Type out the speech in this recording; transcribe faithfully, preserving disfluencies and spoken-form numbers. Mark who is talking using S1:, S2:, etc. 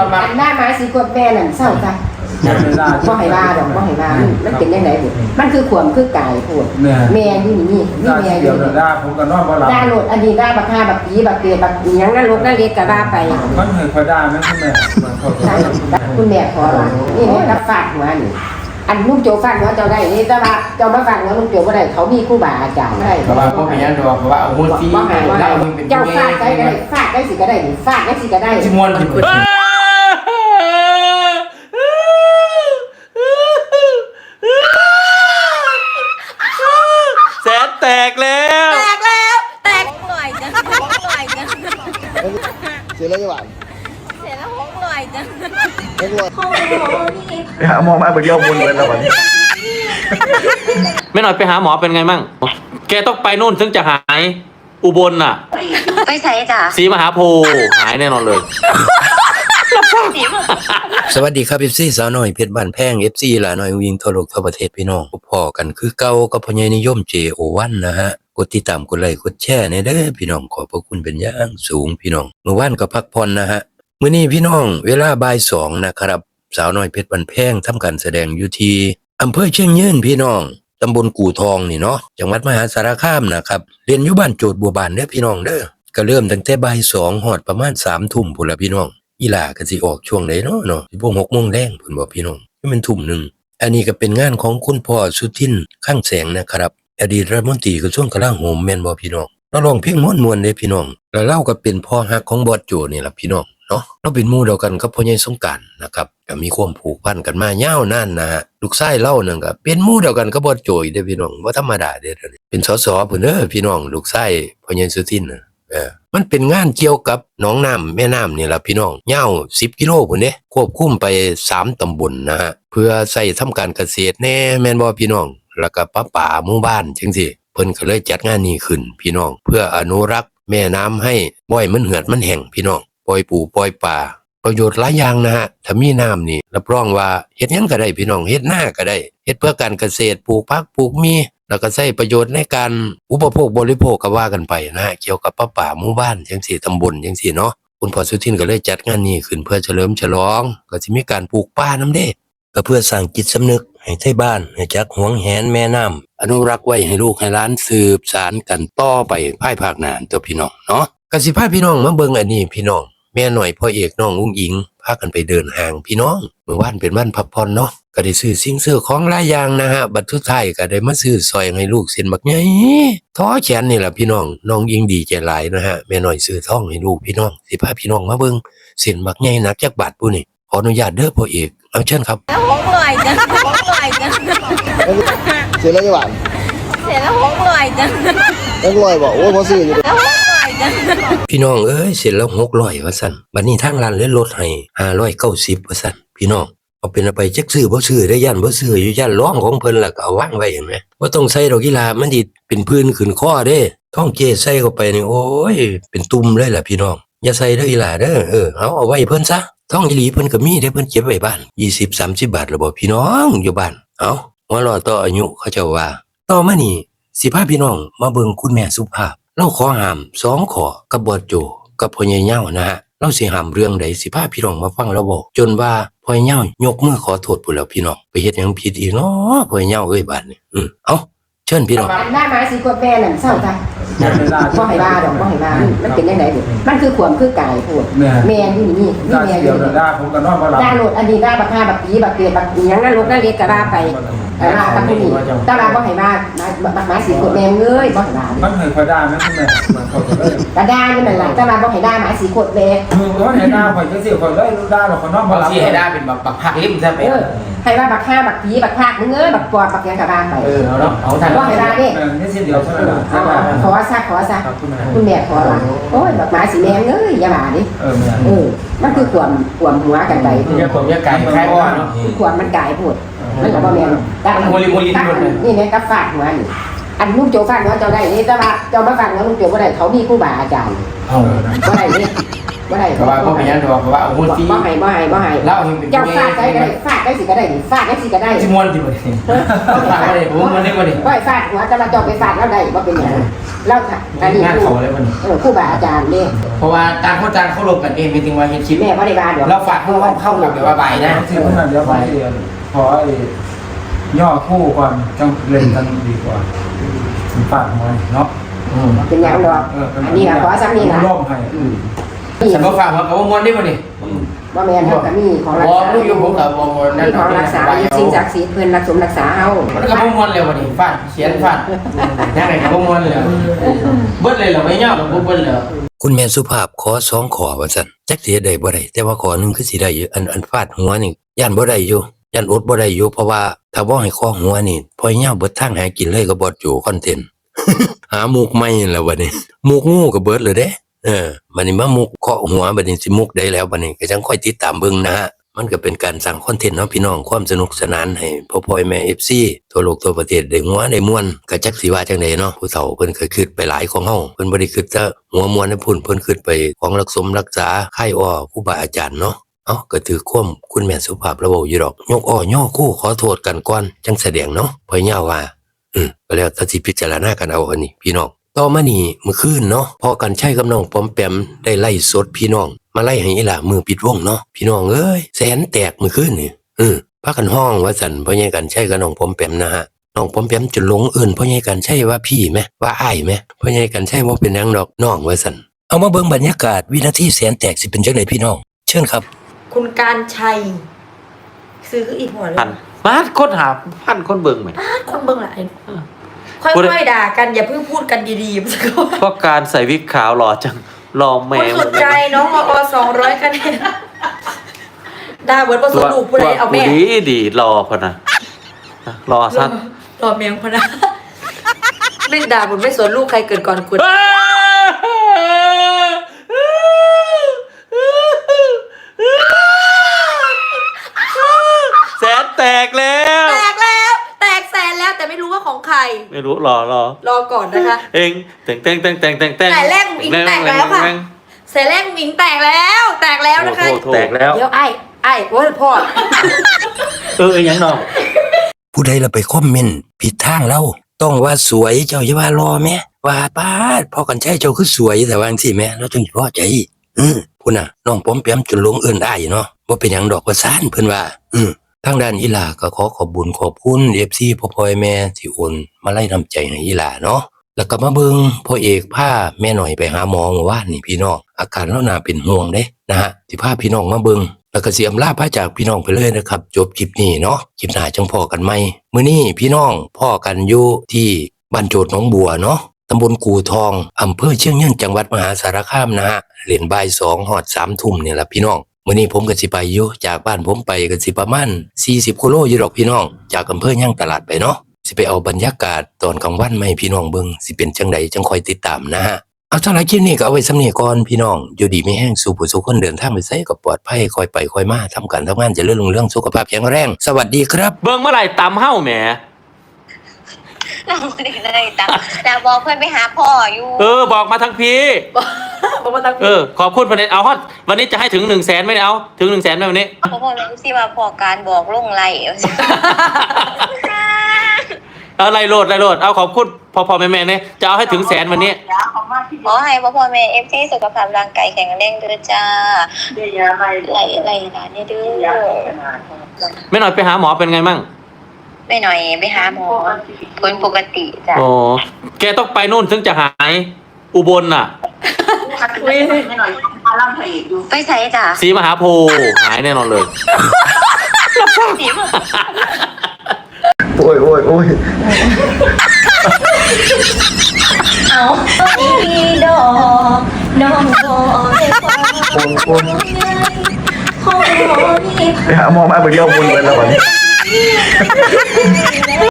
S1: อันหน้าไม้สีกดแม่นั่นเศร้าจ้ะบ่ให้ว่าดอกบ่ให้ว่ามันเป็นยังไงบุมันคือขวมคือกายพูดแม่อยู่นี่นี่แม่อยู่นี่ด่าผมก็นอนบ่หลับด่าโลดอันนี้ด่าบักฆ่าบักผีบักเกลียบักหยังนั่นรถนั่นเล็กก็ด่าไปมันเคยคอยด่าไหมคุณแม่คุณแม่ขอหลังนี่แม่รับฟาดหัวนี่อันลูกโจฟาดหัวเจ้าได้นี่แต่ว่าเจ้ามาฟาดหัวลูกโจบ่ได้เขามีครูบาอาจารย์ได้เพราะว่าพ่อพญาดอกเพราะว่าเอาหัวตีแล้วมึงเป็นเจ้าฟาดได้ก็ได้ฟาดได้สิก็ได้ฟาดได้สิก็ได้สิมวน
S2: แสนแตกแล้ว
S3: แตกแล้วแตกหน่อยจ้ะหน่อยจ้ะ
S4: เสียแล้วยังหวาน
S3: เสร็จแล้วหกหน่อยจ้ะ
S4: เล็กเลยไปหาหมอมาไปเดียวมุนเลยแล้ววัน
S2: ไม่หน่อยไปหาหมอเป็นไงมั่งแกต้องไปนู่นถึงจะหายอุบลน่ะ
S3: ไปใส่จ้ะ
S2: ศรีมหาโพธิ์หายแน่นอนเลย
S5: สวัสดีครับเอฟซีสาวน้อยเพชรบ้านแพงเอฟซีหลาน้อยวิ่งทั่วโลกทั่วประเทศพี่น้องพอกันคือเก่ากับพ่อใหญ่นิยม เจ โอ วัน นะฮะกดติดตามกดไลค์กดแชร์ในเด้อพี่น้องขอบพระคุณเป็นอย่างสูงพี่น้องเมื่อวานก็พักผ่อนนะฮะมื้อนี้พี่น้องเวลาบ่ายสองนะครับสาวน้อยเพชรบ้านแพงทำการแสดงอยู่ที่อำเภอเชียงยืนพี่น้องตำบลกู่ทองนี่เนาะจังหวัดมหาสารคามนะครับเรียนอยู่บ้านโจทย์บัวบานเด้อพี่น้องเด้อก็เริ่มตั้งแต่บ่ายสองฮอดประมาณสามทุ่มพุ่นล่ะพี่น้องอีหล่าก็สิออกช่วงไหนเนาะเนาะสิบ่หกโมงแลงพุ่นบ่พี่น้องมันทุ่มนึงอันนี้ก็เป็นงานของคุณพ่อสุทินข้างแสงนะครับอดีตรัฐมนตรีกระทรวงกลาโหมแม่นบ่พี่น้องเราร้องเพลงม่วนๆเด้พี่น้องแล้วเราก็เป็นพ่อฮักของบอสโจนี่ล่ะพี่น้องเนาะเราเป็นหมู่เดียวกันกับพ่อใหญ่สงกรานต์นะครับก็มีความผูกพันกันมายาวนานนะฮะลูกชายเล่านั่นก็เป็นหมู่เดียวกันกับบอสโจอีกเด้อพี่น้องบ่ธรรมดาเด้อเป็นสสพุ่นเด้อพี่น้องลูกชายพ่อใหญ่สุทินน่ะเออมันเป็นงานเกี่ยวกับหนองน้ำแม่น้ำนี่ล่ะพี่น้องยาวสิบกิโลพุ่นเด้ควบคุมไปสามตำบลนะฮะเพื่อใช้ทำการเกษตรแน่แม่นบ่พี่น้องแล้วก็ป้าป่าหมู่บ้านจังซี่เพิ่นก็เลยจัดงานนี้ขึ้นพี่น้องเพื่ออนุรักษ์แม่น้ำให้บ่อยมันเหือดมันแห้งพี่น้องปล่อยปูปล่อยปลาประโยชน์หลายอย่างนะฮะถ้ามีน้ำนี่รับรองว่าเฮ็ดหยังก็ได้พี่น้องเฮ็ดนาก็ได้เฮ็ดเพื่อการเกษตรปลูกผักปลูกมีแล้วก็ใช้ประโยชน์ในการอุปโภคบริโภคก็ว่ากันไปนะฮะเกี่ยวกับป้าป่าหมู่บ้านจังซี่ตำบลจังซี่เนาะคุณพ่อสุทินก็เลยจัดงานนี้ขึ้นเพื่อเฉลิมฉลองก็สิมีการปลูกป่านำเด้ก็เพื่อสร้างจิตสำนึกให้ไทบ้านให้จักหวงแหนแม่น้ำอนุรักษ์ไว้ให้ลูกให้หลานสืบสานกันต่อไปภายภาคหน้าตัวพี่น้องเนาะก็สิพาพี่น้องมาเบิ่งอันนี้พี่น้องแม่หน่อยพ่อเอกน้องอุ้งอิงพากันไปเดินห้างพี่น้องเมื่อวานเป็นวันพักผ่อนเนาะก็ได้ซื้อสิ่งซื้อของหลายอย่างนะฮะบัดสุดท้ายก็ได้มาซื้อซอยให้ลูกเส้นบักใหญ่ท้อแขนนี่แหละพี่น้องน้องอิงดีใจหลายนะฮะแม่หน่อยซื้อทองให้ลูกพี่น้องสิพาพี่น้องมาเบิ่งเส้นบักใหญ่หนักจักบาทปุ้นี่ขออนุญาตเด้อพ่อเอกเอาเชิญครับ
S3: แล้วหกหน่อยจ้ะหกหน่อยจ้ะ
S4: เสียแล้วยังหวาน
S3: เสร็จแล้วหกหน่อยจ้ะ
S4: เล็กเลยบอกโอ้ยพอซื้ออยู่
S3: แล้วหกหน่อยจ้ะ
S5: พี่น้องเอ้ยเสร็จแล้วหกร้อยว่าซั่นบัดนี้ทางร้านเลยลดให้ห้าร้อยเก้าสิบว่าซั่นพี่น้องเอาเป็นเอาไปจักซื้อบ่ซื้อได้ย่านบ่ซื้ออยู่ย่านร้องของเพิ่นล่ะก็เอาวางไว้เห็นไหมบ่ต้องใส่ดอกกีฬามันสิเป็นพื้นขึ้นคอเด้ท้องเจใส่เข้าไปนี่โอ้ยเป็นตุ่มเลยล่ะพี่น้องอย่าใส่เด้ออีหล่าเด้อเออเอาเอาไว้เพิ่นซะท้องอีหลีเพิ่นก็มีเด้เพิ่นเก็บไว้บ้านยี่สิบ สามสิบบาทแล้วบ่พี่น้องอยู่บ้านเอาหัวรอต่ออายุเขาเจ้าว่าต่อมานี่สิพาพี่น้องมาเบิ่งคุณแม่สุภาพเราขอห้ามสองข้อกับบอสโจกับพ่อใหญ่เหย้านะฮะเราสิห้ามเรื่องใดสิพาพี่น้องมาฟังเราบอกจนว่าพ่อใหญ่เหย้ายกมือขอโทษพุ่นแล้วพี่น้องไปเฮ็ดหยังผิดอีกเนาะพ่อใหญ่เหย้าเอ้ยบาดนี้อือเอ้าเชิญพี่น้อง
S1: หน้าไม้สีกดแม่นั่นเศร้าจ้ะบ่ให้ว่าดอกบ่ให้ว่ามันเป็นยังไงบุมันคือขวมคือกายพูดแม่อยู่นี่นี่แม่อยู่นี่ด่าผมก็นอนบ่หลับด่าโลดอันนี้ด่าบักฆ่าบักผีบักเกลียบักหยังนั่นรถนั่นเล็กก็ด่าไปเออกับผู้นี้ตาลาบ่ให้ว่าบักไม้สีกดแม่เอ้ยบ่ให้ว่า
S6: มันเคยคอยด่าไหมคุณแม่มันเขาก็เลย
S1: ก็ด่าอยู่นั่นล่ะตาลาบ่ให้ด่าไม้สีกดแม่
S6: คือเขาให้ด่าข่อยจังซี่ข่อยเลยด่าดอกข่อยนอนบ่หลับ
S7: สิให้ด่าเป็นบักบักผักลิ้มซะไป
S1: เออให้ว่าบักฆ่าบักผีบักพากมึงเอ้ยบักปอดบักหยังก็ด่าไป
S6: เออเอาเนาะเอาทัน
S1: บ่ให้ด่าเด้
S6: นี่สิเดียวเท่านั้นล่ะ
S1: ขอซะขอซะคุณแม่ขอหลังโอ้ยบักหมาสีแม่เอ้ยอย่าว่าดิ
S6: เออแม่
S1: เออมันคือความความหัวกันไป
S7: เนี่ยผมเนี่ยไก่คล้ายว่าเนาะ
S1: ความมันกายพูดมันก็บ่แม่นตักโมลิโมลินี่แม่ก็ฟาดหัวนี่อันลูกโจฟาดหัวเจ้าได้นี่แต่ว่าเจ้ามาฟาดหัวลูกโจบ่ได้เขามีครูบาอาจารย์
S6: เอา
S1: บ่ได้นี่บ่ได้
S7: เพราะว่าเพราะเป็นยังเพราะว่าเพราะว่าโอ้โหที่
S1: บ่ให้บ่ให้บ่ให้
S7: เล่าให้เป็น
S1: เจ้าฟาดได้ก็ได้ฟาดได้สิก็ได้ฟาดได้สิก็ได้
S7: ชิมวนที่บ่ได้ฟาดบ่ได้ผมมันได้บ่ได้
S1: บ่ให้ฟาดหัวแต่มาเจ้าไปฟาดแล้วได้บ่เป็นหยังเล่าค่ะอันนี้
S7: งานเขาเลยบ่นี่
S1: เออครูบาอาจารย์เด้
S7: เพราะว่าต่างคนต่างเขาลงกันเองเป็นจริงว่าเฮ็ดคลิป
S1: แม่บ่ได้ว่าดอก
S7: เราฝากเข้าเข้ากับแบบว่าใบนะ
S6: ที่คนนั้นเดี๋ยวไปขอไอ้ย่อคู่ก่อนจังเล่นกันดีกว่าฝากมวยเนาะ
S7: อืม
S1: เป็นหยังดอกอันนี้ก็ขอซ้ำนี่ล่ะ
S6: ร่มให้
S1: อืม
S7: ฉันบ่ฝากว่าเขาบ่มวนได้บ่นี่
S1: บ่แม่นเฮาก็มีของรัก
S7: บ่
S1: ษา
S7: รู้อยู่ผมก็บ่มวนนั่
S1: มี
S7: น
S1: ของรักษาอยู่สิ่งศักดิ์สิทธิ์เพิ่นรักสมรักษาเฮา
S7: มันก็บ่มวนแล้วบ่นี่ฟาดเขียนฟาดยังไงก็บ่มวนแล้วเบิดเลยเหรอไม่ยากหรอกบ่เบิดแล้ว
S5: คุณแม่สุภาพขอสองขอว่าซั่นจักสิเฮ็ดได้บ่ได้แต่ว่าขอหนึงคือสิได้อยู่อันอันฟาดหัวนี่ย่านบ่ได้อยู่ย่านอดบ่ได้อยู่เพราะว่าถ้าบ่ให้ข้อหัวนี่พอยาวเบิดทางหากินเลยก็บ่อยู่คอนเทนต์ หามุกใหม่แล้วบัดนี้มุกงูก็เบิดเลยเด้เออบัดนี้มามุกเคาะหัวบัดนี้สิมุกได้แล้วบัดนี้ก็จังค่อยติดตามเบิ่งนะฮะมันก็เป็นการสร้างคอนเทนต์เนาะพี่น้องความสนุกสนานให้พ่อพ่อแม่ เอฟ ซี ทั่วโลกทั่วประเทศได้หัวได้ม่วนก็จักสิว่าจังไดเนาะผู้เฒ่าเพิ่นเคยคิดไปหลายของเฮาเพิ่นบ่ได้คิดแต่หัวม่วนให้พุ่นเพิ่นคิดไปของรักสมรักษาค่ายอ้อครูบาอาจารย์เนาะเอ้าก็ถือความคุณแม่สุภาพระเว้าอยู่ดอกยกอ้อย่อคู่ขอโทษกันก่อนจังแสดงเนาะพ่อย่าว่าอืมก็แล้วแต่สิพิจารณากันเอาอันนี้พี่น้องต่อมานี่เมื่อคืนเนาะพอกันใช้กับน้องปอมแปมได้ไล่สดพี่น้องมาไล่ให้อีหล่ามือปิดวงเนาะพี่น้องเอ้ยแสนแตกเมื่อคืนนี่อือพากันห้องว่าสั่นพ่อใหญ่กันใช้กับน้องปอมแปมนะฮะน้องปอมแปมจนหลงเอิ้นพ่อใหญ่กันใช่ว่าพี่แม่ว่าอ้ายแม่พ่อใหญ่กันใช่บ่เป็นหยังดอกน้องว่าสั่นเอามาเบิ่งบรรยากาศวินาทีแสนแตกสิเป็นจังไดพี่น้องเชิญครับ
S8: คุณการชัยซื้อคืออีกหัวเลย
S2: พันมาคนหาพันคนเบิ่งไหม
S8: อ้าวคนเบิ่งหลายค่อยๆด่ากันอย่าเพิ่งพูดกันดีๆสักคน
S2: เพราะการใส่วิกขาวหล่อจังหล่อแม
S8: คน
S2: ว
S8: สนใจน้องมอสองร้อยคะแนนด่าเบิร์ดประสบลูกผู้ใดเอาแม่
S2: ดีดีรอพอนะรอสั้น
S8: รอเมียงพนะเล่นด่าบุญไม่สนลูกใครเกิดก่อนคุณ
S2: แสนแตกแล้ว
S8: แตกแล้ว แตกแสนแล้วแต่ไม่รู้ว่าของใคร
S2: ไม่รู้รอรอ
S8: รอก่อนนะคะ
S2: เองแต่งแต่งแต่งแต่งแต่งแต่ง
S8: แต่แรกอิงแตกแล้วค่ะแสนแรกอิงแตกแล้ว แตกแล้วนะคะ
S2: แตกแล้ว
S8: เดี๋ยวไอ้ไอ้โอ้ยพ่อ
S2: เออยังน้อง
S5: ผู้ใดเราไปคอมเมนต์ผิดทางเราต้องว่าสวยเจ้าอย่าว่ารอแม่ว่าป้าดพอกันใช้เจ้าคือสวยแต่ว่าจังซี่แม่เราจึงพอใจอือพุ่นน่ะน้องปอมแปมจนหลงเอิ้นอ้ายเนาะบ่เป็นหยังดอกว่าซ่านเพิ่นว่าอือทางด้านอีหลาก็ขอขอบคุญขอบคุณ เอฟ ซี พ่อพ่อแม่ที่โอนมาไล่น้ำใจให้อีหลาเนาะแล้วก็มาเบิ่งพ่อเอกพาแม่หน่อยไปหาหมอเมื่อวานนี่พี่น้องอาการเราน่าเป็นห่วงเด้นะฮะสิพาพี่น้องมาเบิ่งแล้วก็สิอำลาพาจากพี่น้องไปเลยนะครับจบคลิปนี้เนาะคลิปหน้าจังพ้อกันใหม่มื้อนี้พี่น้องพ้อกันอยู่ที่บ้านโจทย์หนองบัวเนาะตำบลกูทองอำเภอเชียงยืนจังหวัดมหาสารคามนะฮะเล่นบ่ายสองฮอดสามทุ่มนี่ล่ะพี่น้องมื้อนี้ผมก็สิไปอยู่จากบ้านผมไปก็สิประมาณสี่สิบกิโลอยู่ดอกพี่น้องจากอำเภอย่างตลาดไปเนาะสิไปเอาบรรยากาศตอนกลางวันมาให้พี่น้องเบิ่งสิเป็นจังไดจังคอยติดตามนะฮะเอาสำหรับคลิปนี้ก็เอาไว้สำนี้ก่อนพี่น้องอยู่ดีมีแห้งสู่ผู้สู่คนเดินทางไปไสก็ปลอดภัยคอยไปคอยมาทำการทำงานเจริญรุ่งเรืองสุขภาพแข็งแรงสวัสดีครับ
S2: เบิ่งเมื่อไหร่ตำเฮ้าแหม
S3: เราไม่ได้เลยแต่แต่บอกเพื่อนไปหาพ่ออยู่
S2: เออบอกมาทั้งพี่
S8: บอกมาตั้ง
S2: เออขอบคุณวันนี้เอาฮอตวันนี้จะให้ถึงหนึ่งแสนไหมเนี่ยเอาถึงหนึ่งแสนไหมวันนี้
S3: พ่อพ่อรู้สิว่าพ่อการบอกลงไร
S2: อะไรโหลดอะไรโหลดเอาขอบคุณพอพอแม่แม่เนี่ยจะเอาให้ถึงแสนวันนี้
S3: ขอให้พ่อพ่อแม่เอฟซีสุขภาพร่างกายแข็งแรงเด้อจ้าไรไรร้านนี้เด้อ
S2: ไม่หน่อยไปหาหมอเป็นไงมั่ง
S3: ไม่หน่อยไปหาหมอผลปกติจ้ะ
S2: โอ้แกต้องไปนู่นถึงจะหายอุบลน่ะ
S3: ไปใส่จ้ะ
S2: ศรีมหาโพธิ์หายแน่นอนเลย
S4: โอ้ยโอ้ยโอ้ย
S3: เอาอีดอกน้องก็ไม่ฟัง
S4: โอ้ยโอ้ย
S3: ขอนี่
S4: ไปหาหมอมาเบิดเดียววนไปแล้วบัดนี้